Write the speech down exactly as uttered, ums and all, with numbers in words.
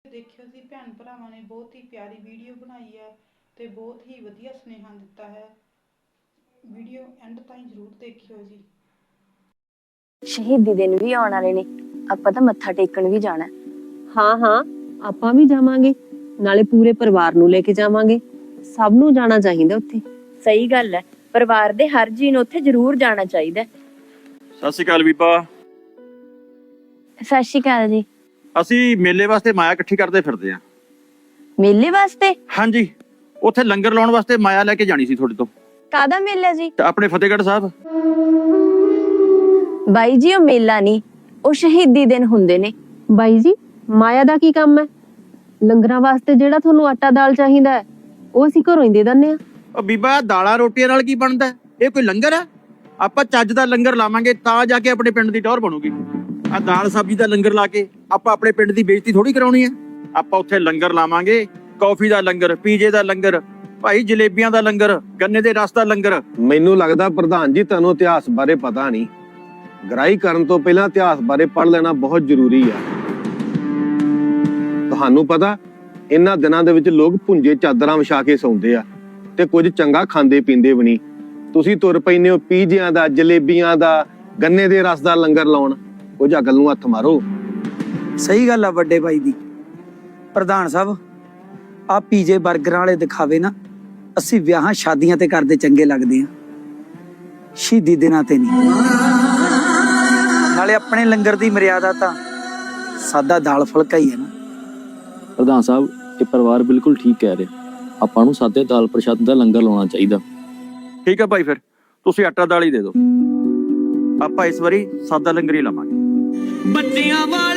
ਦੇਖਿਓ ਜੀ ਭੈਣ ਭਰਾਵਾਂ ਨੇ ਬਹੁਤ ਹੀ ਪਿਆਰੀ ਵੀਡੀਓ ਬਣਾਈ ਹੈ ਤੇ ਬਹੁਤ ਹੀ ਵਧੀਆ ਸੁਨੇਹਾ ਦਿੱਤਾ ਹੈ। ਵੀਡੀਓ ਐਂਡ ਤਾਈਂ ਜ਼ਰੂਰ ਦੇਖਿਓ ਜੀ। ਸ਼ਹੀਦੀ ਦਿਨ ਵੀ ਆਉਣ ਵਾਲੇ ਨੇ, ਆਪਾਂ ਤਾਂ ਮੱਥਾ ਟੇਕਣ ਵੀ ਜਾਣਾ। ਹਾਂ ਹਾਂ ਆਪਾਂ ਵੀ ਜਾਵਾਂਗੇ, ਨਾਲੇ ਪੂਰੇ ਪਰਿਵਾਰ ਨੂੰ ਲੈ ਕੇ ਜਾਵਾਂਗੇ। ਸਭ ਨੂੰ ਜਾਣਾ ਚਾਹੀਦਾ ਉੱਥੇ। ਸਹੀ ਗੱਲ ਹੈ, ਪਰਿਵਾਰ ਦੇ ਹਰ ਜੀਅ ਨੂੰ ਉੱਥੇ ਜ਼ਰੂਰ ਜਾਣਾ ਚਾਹੀਦਾ। ਸਤਿ ਸ਼੍ਰੀ ਅਕਾਲ ਬੀਬਾ। ਸਤਿ ਸ਼੍ਰੀ ਅਕਾਲ ਜੀ। ਅਸੀਂ ਮੇਲੇ ਵਾਸਤੇ ਮਾਇਆ ਇਕੱਠੀ ਕਰਦੇ ਫਿਰਦੇ ਆਂ। ਮੇਲੇ ਵਾਸਤੇ? ਹਾਂਜੀ, ਉੱਥੇ ਲੰਗਰ ਲਾਉਣ ਵਾਸਤੇ ਮਾਇਆ ਲੈ ਕੇ ਜਾਣੀ ਸੀ ਤੁਹਾਡੇ ਤੋਂ। ਕਾਹਦਾ ਮੇਲਾ ਜੀ? ਆਪਣੇ ਫਤਿਹਗੜ੍ਹ ਸਾਹਿਬ। ਬਾਈ ਜੀ ਉਹ ਮੇਲਾ ਨਹੀਂ, ਉਹ ਸ਼ਹੀਦੀ ਦਿਨ ਹੁੰਦੇ ਨੇ। ਬਾਈ ਜੀ ਮਾਇਆ ਦਾ ਕੀ ਕੰਮ ਹੈ? ਲੰਗਰਾਂ ਵਾਸਤੇ ਜਿਹੜਾ ਤੁਹਾਨੂੰ ਆਟਾ ਦਾਲ ਚਾਹੀਦਾ ਹੈ ਉਹ ਅਸੀਂ ਘਰੋਂ ਹੀ ਦੇ ਦਿੰਦੇ ਆ। ਉਹ ਬੀਬਾ ਦਾਲਾਂ ਰੋਟੀਆਂ ਨਾਲ ਕੀ ਬਣਦਾ? ਇਹ ਕੋਈ ਲੰਗਰ ਹੈ? ਆਪਾਂ ਚੱਜ ਦਾ ਲੰਗਰ ਲਾਵਾਂਗੇ ਤਾਂ ਜਾ ਕੇ ਆਪਣੇ ਪਿੰਡ ਦੀ ਟੌਰ ਬਣੂਗੀ। ਆ ਦਾਲ ਸਬਜ਼ੀ ਦਾ ਲੰਗਰ ਲਾ ਕੇ ਆਪਾਂ ਆਪਣੇ ਪਿੰਡ ਦੀ ਬੇਇੱਜ਼ਤੀ ਥੋੜੀ ਕਰਾਉਣੀ ਹੈ। ਆਪਾਂ ਉੱਥੇ ਲੰਗਰ ਲਾਵਾਂਗੇ, ਕੌਫੀ ਦਾ ਲੰਗਰ, ਪੀਜੇ ਦਾ ਲੰਗਰ, ਭਾਈ ਜਲੇਬੀਆਂ ਦਾ ਲੰਗਰ, ਗੰਨੇ ਦੇ ਰਸ ਦਾ ਲੰਗਰ। ਮੈਨੂੰ ਲੱਗਦਾ ਪ੍ਰਧਾਨ ਜੀ ਤੁਹਾਨੂੰ ਇਤਿਹਾਸ ਬਾਰੇ ਪਤਾ ਨਹੀਂ। ਗ੍ਰਾਈ ਕਰਨ ਤੋਂ ਪਹਿਲਾਂ ਇਤਿਹਾਸ ਬਾਰੇ ਪੜ੍ਹ ਲੈਣਾ ਬਹੁਤ ਜ਼ਰੂਰੀ ਆ। ਤੁਹਾਨੂੰ ਪਤਾ ਇਹਨਾਂ ਦਿਨਾਂ ਦੇ ਵਿੱਚ ਲੋਕ ਭੁੰਜੇ ਚਾਦਰਾਂ ਵਿਛਾ ਕੇ ਸੌਂਦੇ ਆ ਤੇ ਕੁਝ ਚੰਗਾ ਖਾਂਦੇ ਪੀਂਦੇ ਵੀ ਨਹੀਂ। ਤੁਸੀਂ ਤੁਰ ਪੈਂਦੇ ਹੋ ਪੀਜਿਆਂ ਦਾ, ਜਲੇਬੀਆਂ ਦਾ, ਗੰਨੇ ਦੇ ਰਸ ਦਾ ਲੰਗਰ ਲਾਉਣ। ਕੁਝ ਅਕਲ ਨੂੰ ਹੱਥ ਮਾਰੋ। ਸਹੀ ਗੱਲ ਆ ਵੱਡੇ ਭਾਈ ਦੀ। ਪ੍ਰਧਾਨ ਸਾਹਿਬ ਆ ਪੀਜੇ 버ਗਰਾਂ ਵਾਲੇ ਦਿਖਾਵੇ ਨਾ ਅਸੀਂ ਵਿਆਹਾਂ ਸ਼ਾਦੀਆਂ ਤੇ ਕਰਦੇ ਚੰਗੇ ਲੱਗਦੇ ਆ, ਸ਼ਹੀਦੀ ਦਿਨਾਂ ਤੇ ਨਹੀਂ। ਨਾਲੇ ਆਪਣੇ ਲੰਗਰ ਦੀ ਮਰਿਆਦਾ ਤਾਂ ਸਾਦਾ ਦਾਲ ਫੁਲਕਾ ਹੀ ਹੈ ਨਾ। ਪ੍ਰਧਾਨ ਸਾਹਿਬ ਇਹ ਪਰਿਵਾਰ ਬਿਲਕੁਲ ਠੀਕ ਕਹਿ ਰਿਹਾ, ਆਪਾਂ ਨੂੰ ਸਾਦੇ ਦਾਲ ਪ੍ਰਸ਼ਾਦ ਦਾ ਲੰਗਰ ਲਾਉਣਾ ਚਾਹੀਦਾ। ਠੀਕ ਹੈ ਭਾਈ, ਫਿਰ ਤੁਸੀਂ ਆਟਾ ਦਾਲ ਹੀ ਦੇ ਦਿਓ। ਆਪਾਂ ਇਸ ਵਾਰੀ ਸਾਦਾ ਲੰਗਰ ਹੀ ਲਾਵਾਂਗੇ। ਬੱਚਿਆਂ